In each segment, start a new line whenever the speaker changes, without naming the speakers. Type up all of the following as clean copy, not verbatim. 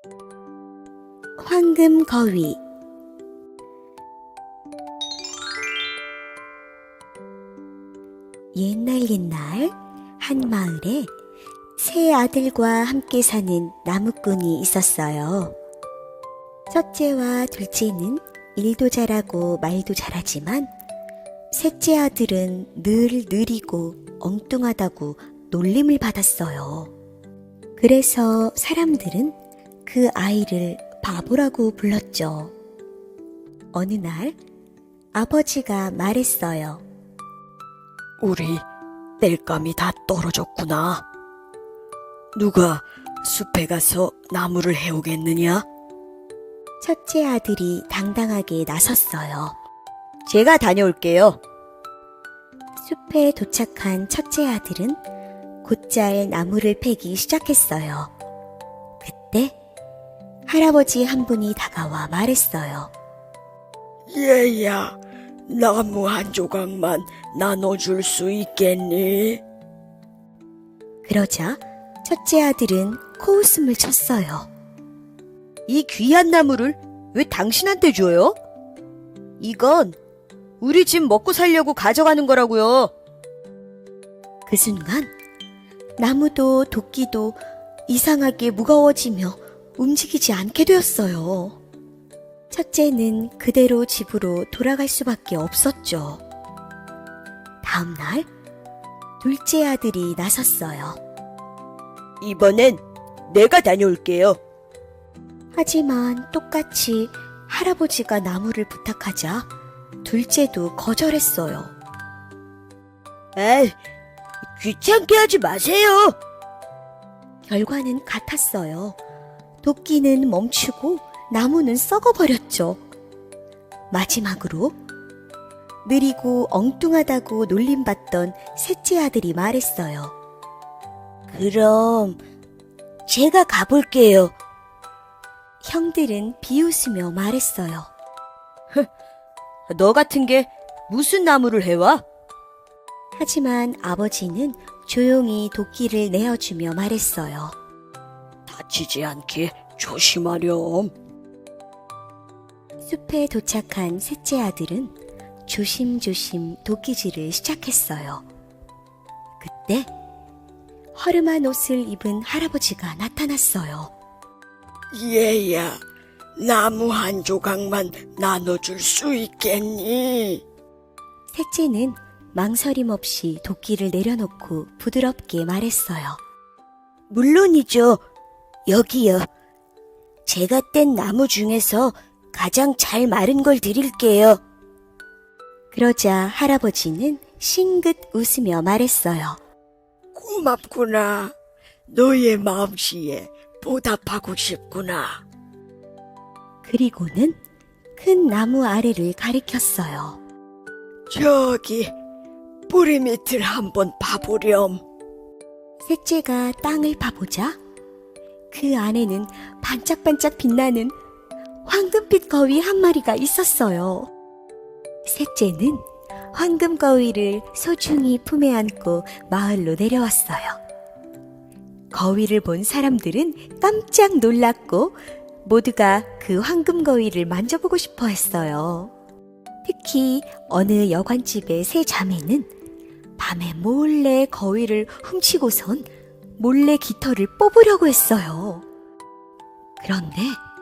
황금거위. 옛날 한 마을에 세 아들과 함께 사는 나무꾼이 있었어요. 첫째와 둘째는 일도 잘하고 말도 잘하지만 셋째 아들은 늘 느리고 엉뚱하다고 놀림을 받았어요. 그래서 사람들은 그 아이를 바보라고 불렀죠. 어느 날 아버지가 말했어요.
우리 땔감이 다 떨어졌구나. 누가 숲에 가서 나무를 해오겠느냐?
첫째 아들이 당당하게 나섰어요.
제가 다녀올게요.
숲에 도착한 첫째 아들은 곧잘 나무를 패기 시작했어요. 그때 할아버지 한 분이 다가와 말했어요.
얘야, 나무 한 조각만 나눠줄 수 있겠니?
그러자 첫째 아들은 코웃음을 쳤어요.
이 귀한 나무를 왜 당신한테 줘요? 이건 우리 집 먹고 살려고 가져가는 거라고요.
그 순간 나무도 도끼도 이상하게 무거워지며 움직이지 않게 되었어요. 첫째는 그대로 집으로 돌아갈 수밖에 없었죠. 다음 날 둘째 아들이 나섰어요.
이번엔 내가 다녀올게요.
하지만 똑같이 할아버지가 나무를 부탁하자 둘째도 거절했어요.
에이, 귀찮게 하지 마세요.
결과는 같았어요. 도끼는 멈추고 나무는 썩어버렸죠. 마지막으로 느리고 엉뚱하다고 놀림받던 셋째 아들이 말했어요.
그럼 제가 가볼게요.
형들은 비웃으며 말했어요.
너 같은 게 무슨 나무를 해와?
하지만 아버지는 조용히 도끼를 내어주며 말했어요.
다치지 않게 조심하렴.
숲에 도착한 셋째 아들은 조심조심 도끼질을 시작했어요. 그때 허름한 옷을 입은 할아버지가 나타났어요.
얘야, 나무 한 조각만 나눠줄 수 있겠니?
셋째는 망설임 없이 도끼를 내려놓고 부드럽게 말했어요.
물론이죠. 여기요. 제가 뗀 나무 중에서 가장 잘 마른 걸 드릴게요.
그러자 할아버지는 싱긋 웃으며 말했어요.
고맙구나. 너의 마음씨에 보답하고 싶구나.
그리고는 큰 나무 아래를 가리켰어요.
저기 뿌리 밑을 한번 봐보렴.
셋째가 땅을 파보자 그 안에는 반짝반짝 빛나는 황금빛 거위 한 마리가 있었어요. 셋째는 황금 거위를 소중히 품에 안고 마을로 내려왔어요. 거위를 본 사람들은 깜짝 놀랐고 모두가 그 황금 거위를 만져보고 싶어 했어요. 특히 어느 여관집의 세 자매는 밤에 몰래 거위를 훔치고선 몰래 깃털을 뽑으려고 했어요. 그런데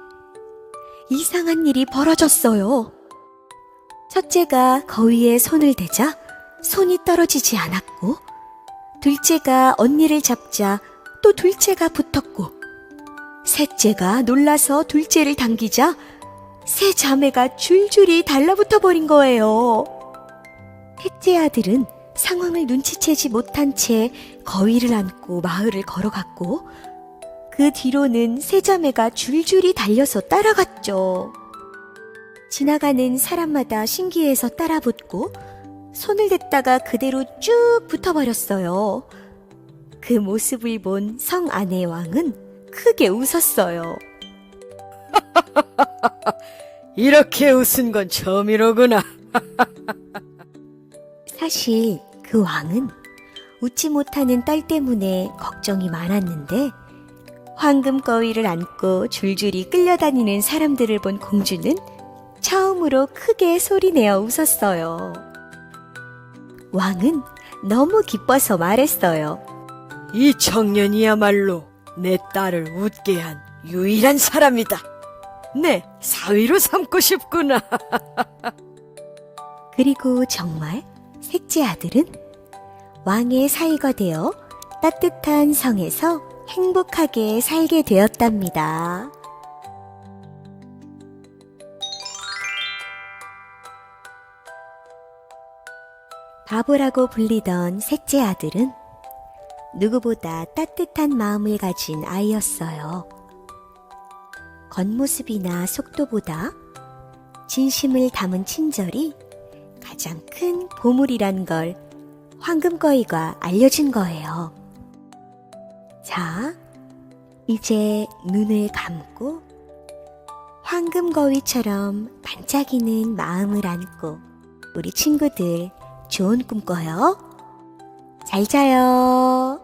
이상한 일이 벌어졌어요. 첫째가 거위에 손을 대자 손이 떨어지지 않았고, 둘째가 언니를 잡자 또 둘째가 붙었고, 셋째가 놀라서 둘째를 당기자 세 자매가 줄줄이 달라붙어 버린 거예요. 셋째 아들은 상황을 눈치채지 못한 채 거위를 안고 마을을 걸어갔고, 그 뒤로는 세 자매가 줄줄이 달려서 따라갔죠. 지나가는 사람마다 신기해서 따라붙고 손을 댔다가 그대로 쭉 붙어버렸어요. 그 모습을 본 성 아내 왕은 크게 웃었어요.
이렇게 웃은 건 처음이로구나.
사실 그 왕은 웃지 못하는 딸 때문에 걱정이 많았는데 황금거위를 안고 줄줄이 끌려다니는 사람들을 본 공주는 처음으로 크게 소리내어 웃었어요. 왕은 너무 기뻐서 말했어요.
이 청년이야말로 내 딸을 웃게 한 유일한 사람이다. 내 사위로 삼고 싶구나.
그리고 정말 셋째 아들은 왕의 사위가 되어 따뜻한 성에서 행복하게 살게 되었답니다. 바보라고 불리던 셋째 아들은 누구보다 따뜻한 마음을 가진 아이였어요. 겉모습이나 속도보다 진심을 담은 친절이 가장 큰 보물이란 걸 황금거위가 알려준 거예요. 자, 이제 눈을 감고 황금거위처럼 반짝이는 마음을 안고 우리 친구들 좋은 꿈 꿔요. 잘 자요.